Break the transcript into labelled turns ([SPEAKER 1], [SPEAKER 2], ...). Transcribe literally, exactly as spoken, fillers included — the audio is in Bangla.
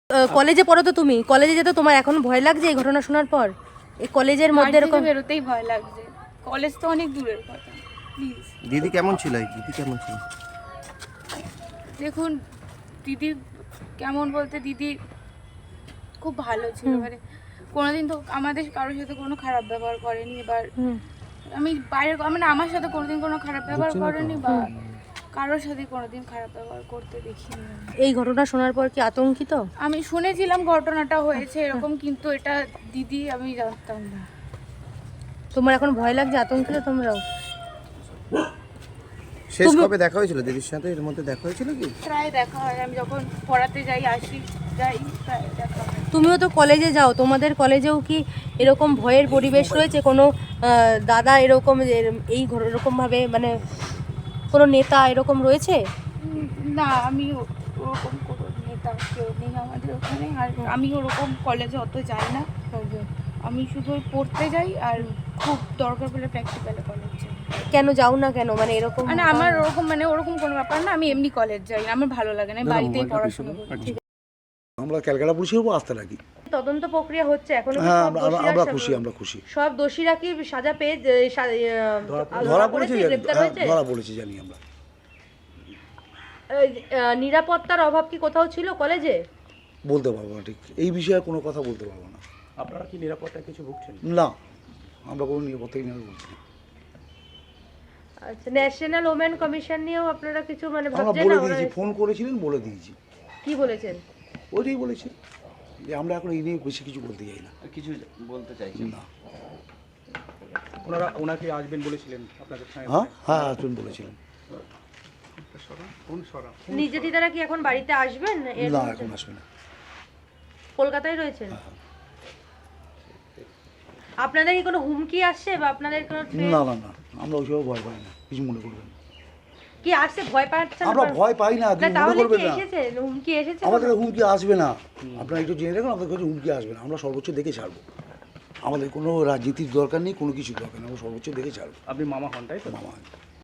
[SPEAKER 1] কলেজে পড়ো তো তুমি, কলেজে যেতে তোমার এখন ভয় লাগছে এই ঘটনা শোনার পর? এই কলেজের মধ্যে এরকম
[SPEAKER 2] বেরোতেই ভয় লাগছে, কলেজ তো অনেক দূরের কথা। প্লিজ
[SPEAKER 3] দিদি কেমন ছিল? দিদি কেমন ছিল?
[SPEAKER 2] দেখুন দিদি কেমন বলতে, দিদি খুব ভালো ছিল, মানে কোনোদিন তো আমাদের কারোর সাথে কোনো খারাপ ব্যবহার করেনি। এবার আমি বাইরের মানে আমার সাথে কোনোদিন কোনো খারাপ ব্যবহার করেনি বা কারোর সাথে কোনোদিন খারাপ ব্যবহার করতে দেখিনি।
[SPEAKER 1] এই ঘটনা শোনার পর কি আতঙ্কিত?
[SPEAKER 2] আমি শুনেছিলাম ঘটনাটা হয়েছে এরকম, কিন্তু এটা দিদি আমি জানতাম না।
[SPEAKER 1] তোমার এখন ভয় লাগছে, আতঙ্কিত তোমরাও?
[SPEAKER 3] শেষ কবে দেখা হয়েছিল দিদির সাথে? এর মধ্যে দেখা হয়েছিল কি?
[SPEAKER 2] প্রায় দেখা হয়, আমি যখন পড়াতে যাই আসি যাই প্রায় দেখা হয়।
[SPEAKER 1] তুমিও তো কলেজে যাও, তোমাদের কলেজেও কি এরকম ভয়ের পরিবেশ রয়েছে? কোনো দাদা এরকম এই এরকমভাবে মানে কোনো নেতা এরকম রয়েছে?
[SPEAKER 2] না, আমি ওরকম কোনো নেতা কেউ নেই আমাদের ওখানে। আর আমি ওরকম কলেজে অত যাই না, আমি শুধু পড়তে যাই আর খুব দরকার পড়লে প্র্যাকটিক্যালে কলেজ যাই।
[SPEAKER 1] কেন যাও না কেন, মানে এরকম?
[SPEAKER 2] মানে আমার ওরকম মানে ওরকম কোনো ব্যাপার না, আমি এমনি কলেজ যাই, আমার ভালো লাগে না, বাড়িতেই পড়াশোনা করি।
[SPEAKER 4] আমরা ক্যালকাটা পুলিশের উপর আস্থা রাখি।
[SPEAKER 1] তদন্ত প্রক্রিয়া হচ্ছে এখনো?
[SPEAKER 4] হ্যাঁ, আমরা খুশি, আমরা খুশি।
[SPEAKER 1] সব দোষীরা কি সাজা পেয়ে
[SPEAKER 4] ধরা পড়েছে, ধরা পড়েছে জানি আমরা।
[SPEAKER 1] নিরাপত্তার অভাব কি কোথাও ছিল কলেজে?
[SPEAKER 4] বলতে পারবো না, ঠিক এই বিষয়ে কোনো কথা বলতে পারবো না।
[SPEAKER 3] আপনারা কি নিরাপত্তায় কিছু ভুগছেন?
[SPEAKER 4] না, আমরা কোনো নিরাপত্তাই নিয়ে বলছি না।
[SPEAKER 1] আচ্ছা, ন্যাশনাল ওমেন কমিশন নিয়েও আপনারা কিছু মানে
[SPEAKER 4] আমরা
[SPEAKER 1] ভাবছেন?
[SPEAKER 4] বলে দিয়েছি, ফোন করেছিলেন, বলে দিয়েছি।
[SPEAKER 1] কি বলেছেন?
[SPEAKER 4] ওইটাই বলেছি যে আমরা এখন এই নিয়ে বেশি কিছু বলতে চাই না।
[SPEAKER 3] কিছু বলতে চাইছেন
[SPEAKER 4] না?
[SPEAKER 3] ওনারা ওনাকে আসবেন বলেছিলেন আপনাদের সঙ্গে?
[SPEAKER 4] হ্যাঁ হ্যাঁ আসবেন বলেছিলেন।
[SPEAKER 1] নিজে দিদারা কি এখন বাড়িতে আসবেন?
[SPEAKER 4] না, এখন আসবে না,
[SPEAKER 1] কলকাতায় রয়েছেন। আপনাদের কি কোনো হুমকি আসছে বা আপনাদের কোনো?
[SPEAKER 4] না না না, আমরা ওইসব ভয় পাই না, কিছু মনে করবেন না।
[SPEAKER 1] কি আসছে ভয় পাচ্ছেন?
[SPEAKER 4] আমরা ভয় পাই না,
[SPEAKER 1] না
[SPEAKER 4] মনে করবেন না।
[SPEAKER 1] এসেছে হুমকি, এসেছে
[SPEAKER 4] আমাদের হুমকি আসবে না, আপনারা একটু জেনে রাখুন, আমাদের কাছে হুমকি আসবে না। আমরা সর্বোচ্চ দেখে ছাড়বো, আমাদের কোনো রাজনীতির দরকার নেই, কোনো কিছু দরকার নেই, আমরা সর্বোচ্চ দেখে ছাড়বো।
[SPEAKER 3] আপনি মামা হন তাই তো?
[SPEAKER 4] মামা